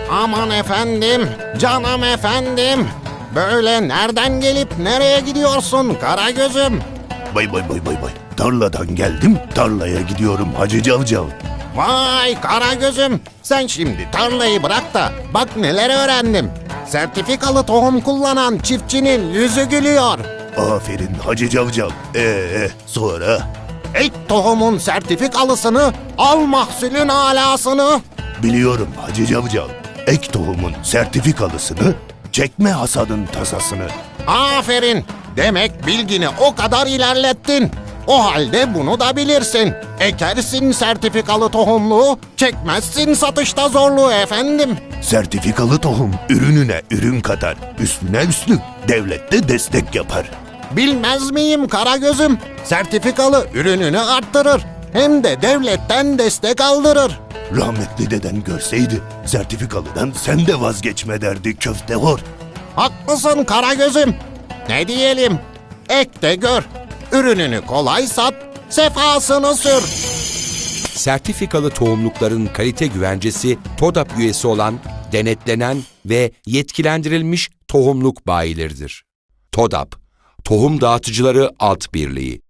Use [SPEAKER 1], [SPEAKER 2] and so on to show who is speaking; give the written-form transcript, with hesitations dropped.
[SPEAKER 1] Aman efendim, canım efendim. Böyle nereden gelip nereye gidiyorsun Karagöz'üm?
[SPEAKER 2] Bay. Tarladan geldim, tarlaya gidiyorum Hacı Cavcav.
[SPEAKER 1] Vay Karagöz'üm, sen şimdi tarlayı bırak da bak neler öğrendim. Sertifikalı tohum kullanan çiftçinin yüzü gülüyor.
[SPEAKER 2] Aferin Hacı Cavcav. Sonra?
[SPEAKER 1] Ek tohumun sertifikalısını, al mahsulün alasını.
[SPEAKER 2] Biliyorum Hacı Cavcav. Ek tohumun sertifikalısını, çekme hasadın tasasını.
[SPEAKER 1] Aferin, demek bilgini o kadar ilerlettin. O halde bunu da bilirsin. Ekersin sertifikalı tohumluğu, çekmezsin satışta zorluğu efendim.
[SPEAKER 2] Sertifikalı tohum ürününe ürün katar. Üstüne üstlük devlet de destek yapar.
[SPEAKER 1] Bilmez miyim Karagöz'üm? Sertifikalı ürününü arttırır. Hem de devletten destek aldırır.
[SPEAKER 2] Rahmetli deden görseydi sertifikalıdan sen de vazgeçme derdi köftehor.
[SPEAKER 1] Haklısın Karagöz'üm. Ne diyelim? Ek de gör. Ürününü kolay sat, sefasını sür.
[SPEAKER 3] Sertifikalı tohumlukların kalite güvencesi TODAP üyesi olan, denetlenen ve yetkilendirilmiş tohumluk bayileridir. TODAP, Tohum Dağıtıcıları Alt Birliği.